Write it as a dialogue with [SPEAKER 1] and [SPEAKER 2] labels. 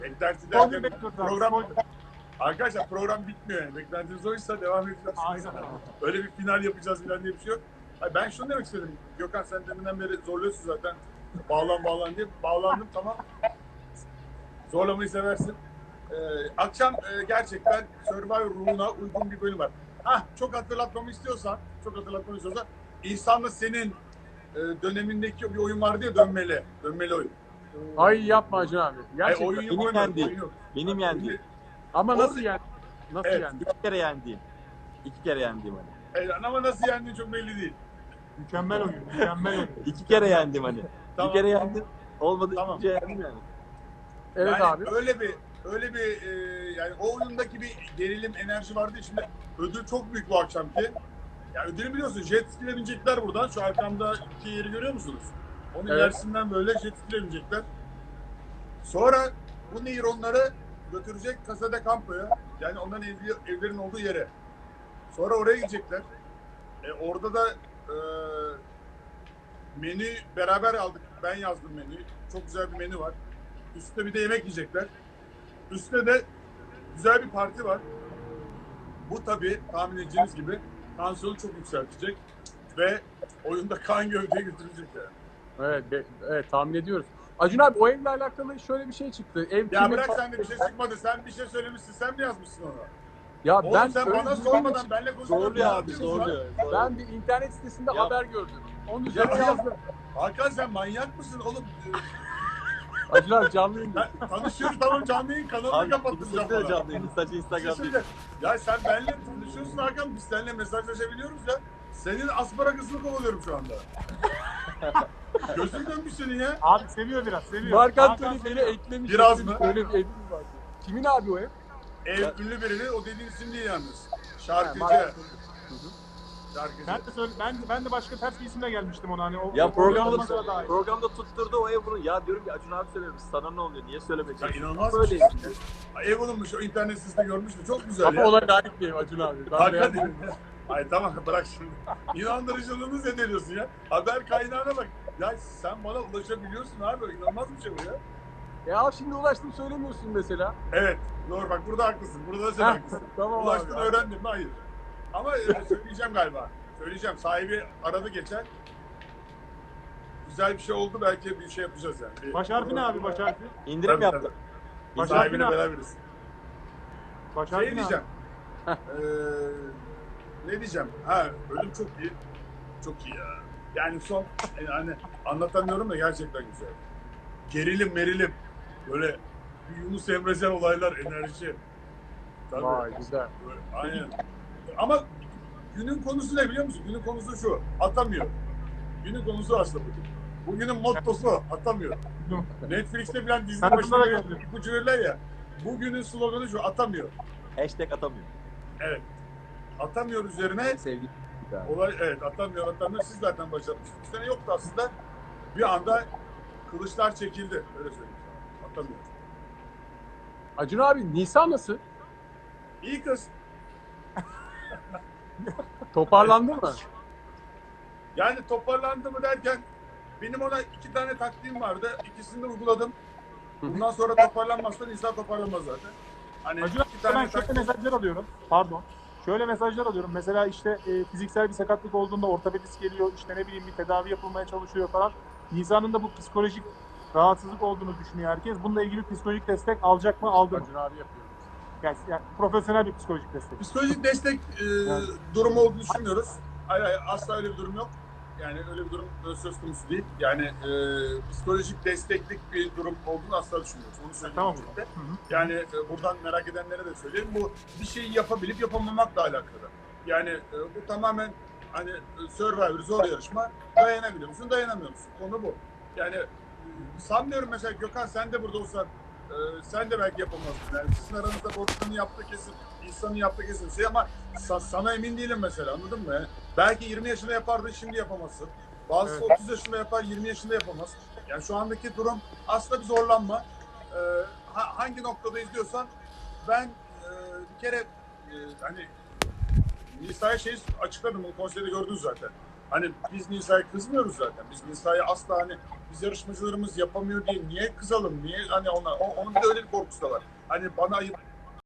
[SPEAKER 1] Beklenti
[SPEAKER 2] Spoiler
[SPEAKER 1] derken
[SPEAKER 2] bekliyoruz abi.
[SPEAKER 1] program...
[SPEAKER 2] Spoiler.
[SPEAKER 1] Arkadaşlar program bitmiyor yani. Beklentiniz oysa devam edeceğiz.
[SPEAKER 2] Aynen.
[SPEAKER 1] Öyle bir final yapacağız falan diye bir şey yok. Hayır, ben şunu demek istedim. Gökhan sen deminden beri zorluyorsun zaten. Bağlan diye. Bağlandım tamam. Zorlamayı seversin. Akşam gerçekten Survivor ruhuna uygun bir bölüm var. Çok hatırlatmamı istiyorsan İhsan'la senin dönemindeki bir oyun vardı ya dönmeli. Dönmeli oyun.
[SPEAKER 3] Ay yapma Acun abi. Gerçekten.
[SPEAKER 1] Oyun yok,
[SPEAKER 4] Benim
[SPEAKER 1] oynadım,
[SPEAKER 4] yendiğim.
[SPEAKER 1] oyun yok.
[SPEAKER 4] Benim yendiğim.
[SPEAKER 3] Ama
[SPEAKER 1] Orada-
[SPEAKER 3] nasıl yani? Nasıl
[SPEAKER 1] Evet.
[SPEAKER 3] yani?
[SPEAKER 4] 2 kere yendiğim. 2 kere yendiğim hani.
[SPEAKER 1] Ama nasıl yendiğin çok belli değil.
[SPEAKER 2] Mükemmel oyun. Mükemmel oyun.
[SPEAKER 4] 2 kere yendim hani.
[SPEAKER 1] Tamam.
[SPEAKER 4] Bir kere yendim. Olmadı
[SPEAKER 1] Tamam.
[SPEAKER 4] ikinci yendim yani.
[SPEAKER 3] Evet
[SPEAKER 1] Yani
[SPEAKER 3] abi.
[SPEAKER 1] öyle bir yani o oyundaki bir gerilim enerji vardı. Şimdi ödül çok büyük bu akşamki. Ya ödülü biliyorsun. Jet ski'le binecekler buradan. Şu arkamda iki yeri görüyor musunuz? Onun
[SPEAKER 3] Evet.
[SPEAKER 1] ilerisinden böyle jet ski'le binecekler. Sonra bu nehir onları götürecek Casa de Campo'ya. Yani onların evlerin olduğu yere. Sonra oraya gidecekler. Orada da menü beraber aldık. Ben yazdım menüyü. Çok güzel bir menü var. Üstüne bir de yemek yiyecekler. Üstüne de güzel bir parti var. Bu tabii tahmin edeceğiniz gibi tansiyonu çok yükseltecek ve oyunda kan gövdeye götürecek yani.
[SPEAKER 3] Evet tahmin ediyoruz. Acun abi o evle alakalı şöyle bir şey çıktı. Ev
[SPEAKER 1] Ya
[SPEAKER 3] kimin
[SPEAKER 1] bırak
[SPEAKER 3] falan-
[SPEAKER 1] sen de bir şey çıkmadı. Sen bir şey söylemişsin. Sen mi yazmışsın onu?
[SPEAKER 3] Ya
[SPEAKER 1] Oğlum
[SPEAKER 3] ben
[SPEAKER 1] sen
[SPEAKER 3] öyle
[SPEAKER 1] bana
[SPEAKER 3] bir-
[SPEAKER 1] sormadan benimle konuşmadan
[SPEAKER 4] Zorluyor
[SPEAKER 1] ne
[SPEAKER 4] abi
[SPEAKER 1] yapıyorsun lan?
[SPEAKER 4] zorluyor.
[SPEAKER 3] Ben bir internet sitesinde
[SPEAKER 4] Ya-
[SPEAKER 3] haber gördüm. Onun üzerine
[SPEAKER 1] Ya-
[SPEAKER 3] yazdım.
[SPEAKER 1] Hakan sen manyak mısın oğlum?
[SPEAKER 3] Acun abi canlı yayın.
[SPEAKER 1] Tanışıyoruz tamam canlı yayın kanalını
[SPEAKER 4] Abi
[SPEAKER 1] kapattıracağım
[SPEAKER 4] Twitter'da
[SPEAKER 1] bana.
[SPEAKER 4] canlı yayın. Sadece
[SPEAKER 1] Bir şey
[SPEAKER 4] Instagram'da.
[SPEAKER 1] söyleyeceğim. Ya sen benimle tanışıyorsun Hakan. Biz seninle mesajlaşabiliyoruz ya. Senin asparagasını kovalıyorum şu anda. Gözün dönmüş senin ya.
[SPEAKER 2] Abi seviyor biraz. Seviyor.
[SPEAKER 3] Mark
[SPEAKER 2] Hakan
[SPEAKER 3] Anthony beni
[SPEAKER 2] seviyor.
[SPEAKER 3] eklemiş.
[SPEAKER 1] Biraz mı?
[SPEAKER 3] Öyle bir evim var. Kimin abi o ev?
[SPEAKER 1] Ev ünlü birini o dediğin isim değil yalnız.
[SPEAKER 3] Ha,
[SPEAKER 1] Şarkıcı.
[SPEAKER 3] Mark Anthony.
[SPEAKER 1] Şarkıcı.
[SPEAKER 2] Ben de başka ters bir isimle gelmiştim ona hani.
[SPEAKER 4] Ya
[SPEAKER 2] o olmasına
[SPEAKER 4] programda
[SPEAKER 2] dair.
[SPEAKER 4] tutturdu o ev bunu. Ya diyorum ki Acun abi söylemiş. Sana ne oluyor? Niye söylemek
[SPEAKER 1] Ya
[SPEAKER 4] istiyorsun?
[SPEAKER 1] inanılmaz bir
[SPEAKER 4] Böyle
[SPEAKER 1] şey.
[SPEAKER 4] yani.
[SPEAKER 1] Ev olunmuş o internet sitesinde görmüştüm. Çok güzel
[SPEAKER 3] Ama
[SPEAKER 1] ya.
[SPEAKER 3] olay layık bir ev Acun abi. Ben
[SPEAKER 1] Hakan
[SPEAKER 3] beğendim.
[SPEAKER 1] Ay tamam bırak şimdi. İnandırıcılığını zedeliyorsun ya. Haber kaynağına bak. Ya sen bana ulaşabiliyorsun abi. İnanılmaz bir şey bu ya.
[SPEAKER 3] Ya şimdi ulaştım söylemiyorsun mesela.
[SPEAKER 1] Evet. Doğru bak burada haklısın. Burada da sen
[SPEAKER 3] Heh,
[SPEAKER 1] haklısın.
[SPEAKER 3] tamam
[SPEAKER 1] Ulaştın
[SPEAKER 3] abi.
[SPEAKER 1] öğrendim mi? Hayır. Ama söyleyeceğim galiba. Söyleyeceğim. Sahibi aradı geçen. Güzel bir şey oldu. Belki bir şey yapacağız yani.
[SPEAKER 2] Baş harfi ne abi baş harfi?
[SPEAKER 4] İndirim
[SPEAKER 1] Tabii,
[SPEAKER 4] yaptı.
[SPEAKER 1] tabii.
[SPEAKER 2] Baş
[SPEAKER 1] Sahibine
[SPEAKER 2] harfi ne?
[SPEAKER 1] beraberiz.
[SPEAKER 2] Baş harfi
[SPEAKER 1] Şey
[SPEAKER 2] ne
[SPEAKER 1] diyeceğim.
[SPEAKER 3] Heh.
[SPEAKER 1] Ne diyeceğim? Ölüm çok iyi. Çok iyi ya. Yani son hani anlatamıyorum da gerçekten güzel. Gerilim merilim. Böyle bir Yunus Emrecan olaylar, enerji. Tabii.
[SPEAKER 3] Vay güzel.
[SPEAKER 1] Böyle, aynen. Ama günün konusu ne biliyor musun? Günün konusu şu. Atamıyor. Günün konusu aslında bugün. Bugünün mottosu atamıyor. Netflix'te falan dizi
[SPEAKER 2] Ben
[SPEAKER 1] başında
[SPEAKER 2] bunlara geldim.
[SPEAKER 1] ipucu verirler ya. Bugünün sloganı şu. Atamıyor.
[SPEAKER 4] Hashtag atamıyor.
[SPEAKER 1] Evet. Atamıyor üzerine
[SPEAKER 4] Sevgili.
[SPEAKER 1] olay evet atamıyor. Siz zaten başlatmıştınız. Bu sene yoktu aslında. Bir anda kılıçlar çekildi. Öyle söyleyeyim sana. Atamıyor.
[SPEAKER 3] Acun abi Nisan nasıl?
[SPEAKER 1] İyi kız.
[SPEAKER 3] Toparlandı mı?
[SPEAKER 1] Yani toparlandı mı derken benim ona 2 tane taktiğim vardı. İkisini de uyguladım. Bundan sonra toparlanmazsa insan toparlanmaz zaten. Hani
[SPEAKER 2] Acun abi,
[SPEAKER 1] 2
[SPEAKER 2] ben
[SPEAKER 1] tane
[SPEAKER 2] şöyle
[SPEAKER 1] taktiğim.
[SPEAKER 2] mesajlar alıyorum. Pardon. Şöyle mesajlar alıyorum. Mesela işte fiziksel bir sakatlık olduğunda ortopedist geliyor. İşte ne bileyim bir tedavi yapılmaya çalışıyor falan. Nisan'ın da bu psikolojik rahatsızlık olduğunu düşünüyor herkes. Bununla ilgili psikolojik destek alacak mı? Aldı mı?
[SPEAKER 3] Acun abi yapıyor.
[SPEAKER 2] Yani profesyonel bir psikolojik destek.
[SPEAKER 1] Psikolojik destek durumu olduğunu düşünmüyoruz. Hayır, asla öyle bir durum yok. Yani öyle bir durum söz konusu değil. Yani psikolojik desteklik bir durum olduğunu asla düşünmüyoruz. Onu söyleyeyim.
[SPEAKER 2] Tamam.
[SPEAKER 1] öncelikle.
[SPEAKER 2] Hı hı.
[SPEAKER 1] Yani buradan merak edenlere de söyleyeyim. Bu bir şeyi yapabilip yapamamakla alakalı. Yani bu tamamen hani Survivor zor yarışma. Dayanabiliyor musun, dayanamıyor musun? Konu bu. Yani sanmıyorum mesela Gökhan sen de burada olsan sen de belki yapamazdın. Yani sizin aranızda Borçlu'nun yaptığı kesin, İhsan'ın yaptığı kesin şey ama sana emin değilim mesela anladın mı? Yani belki 20 yaşında yapardın şimdi yapamazsın. Bazısı
[SPEAKER 2] Evet.
[SPEAKER 1] 30 yaşında yapar 20 yaşında yapamaz. Yani şu andaki durum aslında bir zorlanma. Hangi noktada izliyorsan ben bir kere hani Nisa'ya şey açıkladım, bunu konserde gördünüz zaten. Hani biz Nisa'ya kızmıyoruz zaten. Biz Nisa'ya asla hani biz yarışmacılarımız yapamıyor diye niye kızalım? Niye hani onlar onun bir de öyle bir korkusu da var. Hani bana ayıp